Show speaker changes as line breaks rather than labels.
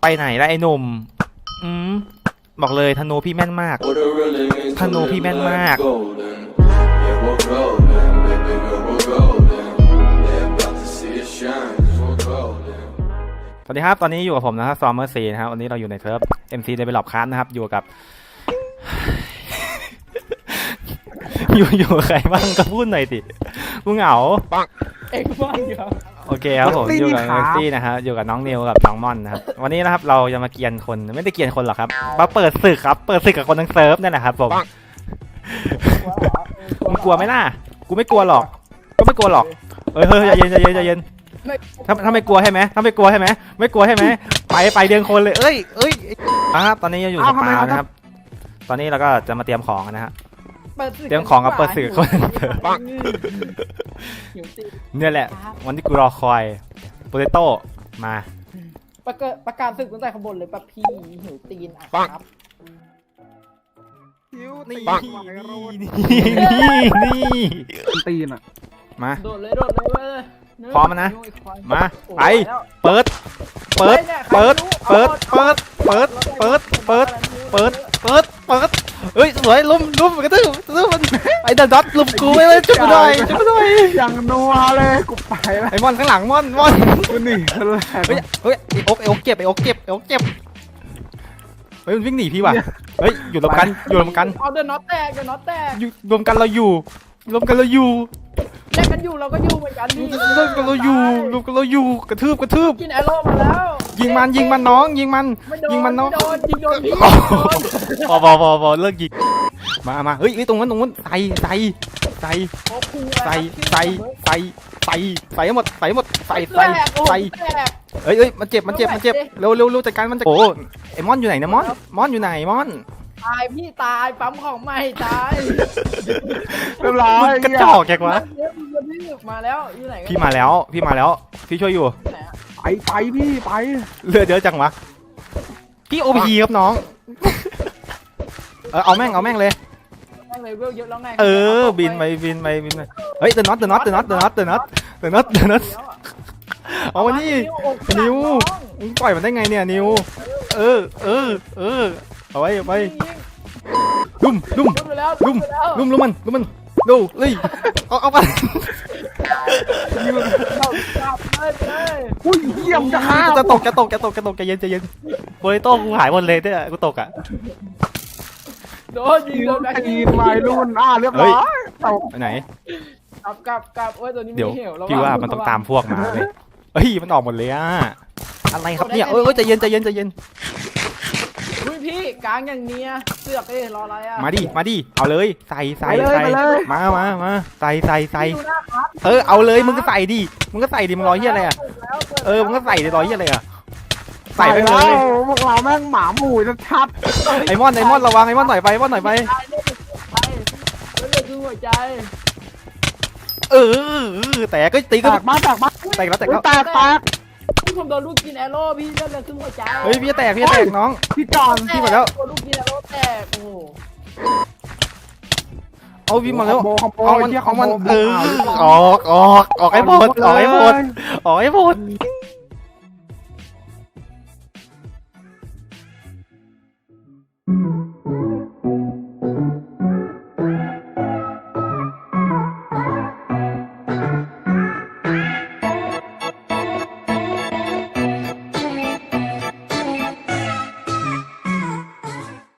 ไปไหนแล้วไอ้หนุ่มบอกเลยธนูพี่แม่นมากธนูพี่แม่นมากสวัสดีครับตอนนี้อยู่กับผมนะครับซอมเมอร์ซีนะครับวันนี้เราอยู่ในเซิร์ฟ MC Develop Class นะครับอยู่กับ อยู่ใครบ้างก็พูดหน่อยสิกูเหงาปังเอกบ้างครับโอเคครับผมอยู่กับเมอร์ซี่นะครับอยู่กับน้องนิวกับน้องม่อนนะครับวันนี้นะครับเราจะมาเกียนคนไม่ได้เกียนคนหรอกครับมาเปิดศึกครับเปิดศึกกับคนทั้งเซิร์ฟนั่นแหละครับผมมึงกลัวไหมล่ะกูไม่กลัวหรอกก็ไม่กลัวหรอกเฮ้ยใจเย็นใจเย็นใจเย็นถ้าไม่กลัวใช่ไหมถ้าไม่กลัวใช่ไหมไม่กลัวใช่ไหมไปเดือนคนเลยเอ้ยครับตอนนี้อยู่สปานะครับตอนนี้เราก็จะมาเตรียมของนะฮะเตรียมของกับเปิดสื่อคนเนี่ยแหละวันที่กูรอคอยโปเตโต้มา
ประกาศศึกตั้งแต่ข้างบนเลยปะพี่หิวตีนอ่ะครับ
นี่
ตีนอ่ะ
มา
โดดเลย
พร้อมนะมาไปเปิดเฮ้ยสวยลุมกระทืบมันไอ้เดอะด็อตลุมกูไปเลยจุ๊บกูหน่อย
อย่างนัวเลยกูไปแล้ว
ไอ้มอนข้างหลังมอน
กูหนีเลย
เฮ้ยไอ้อกเก็บเฮ้ยมันวิ่งหนีพี่ว่ะเฮ้ยอยู่รวมกัน
เอาเดอะน็อตแตก
อยู่รวมกันเราอยู่
แลกกันอยู่เราก็อยู่เหมือนกันนี่
รวมกันเราอยู่กระทืบ
กินแอโร่มาแล้ว
ยิงมันน้องยิงมันน้อง
ยิงโดนพี่
พอเลิกยิงมาเฮ้ยตรงนั้นใส่หมดเฮ้ยมันเจ็บเร็วจัดการมันจะโอ้ไอ้มอนอยู่ไหนนะมอนอยู่ไหนมอน
ตายพี่ตายปั๊มของใหม่ตาย
เรียบร้อย
กระจอกแกวะ
มาแล้วอยู่ไหน
พี่มาแล้วพี่ช่วยอยู่
ไปพี่ไป
เลือดเยอะจังวะพี่โอพีครับน้องเอาแม่งเลย
เยอะแล้วไง
บินไปเฮ้ยเดอะน็อตเอาวันนี้นิวมึงปล่อยมันได้ไงเนี่ยนิวเอาไว้ลุ่มมันดูเลยเอาไป
อุ้ยเยี่ยม
จะตกใจเย็นโบลิโต้กูหายหมดเลยเนี่ยกูตกอ่ะ
โดนยิง
มารุ่นเรียบร้อยตก
ไหน
กลับโอ้ยตัวนี้
เดี๋ยวพี่ว่ามันต้องตามพวกมาเลยเฮ้ยมันออกหมดเลยอะอะไรครับเนี่ยใจเย็น
พี่กลางอย่างเนี้ยเสือกรออะไรอ่ะ
มาดิเอาเลยใส่มาใส่เอาเลยมึงก็ใส่ดิมึงรอเหี้ยอะไรอ่ะมึงก็ใส่ดิรอเหี้ยอะไรอ่ะใส่ไปเลย
พวกเราแม่งหมาหมู่ชัด
ไอ้มอนระวังไอ้มอนหน่อยไป
เลือดคือหัวใจ
แต่ก็ตีก็
มาแตก
พี่ผมโดนลูกกินแอโร่พี่เลือดคือหัวใจ
เฮ้ยพี่แตกน้อง
พี่จอน
พี่หมดแล้ว
ลูกกินแอโร่แตกโอ้
เอาพี่มาแล้ว
เอามัน
ออกให้หมด
อืม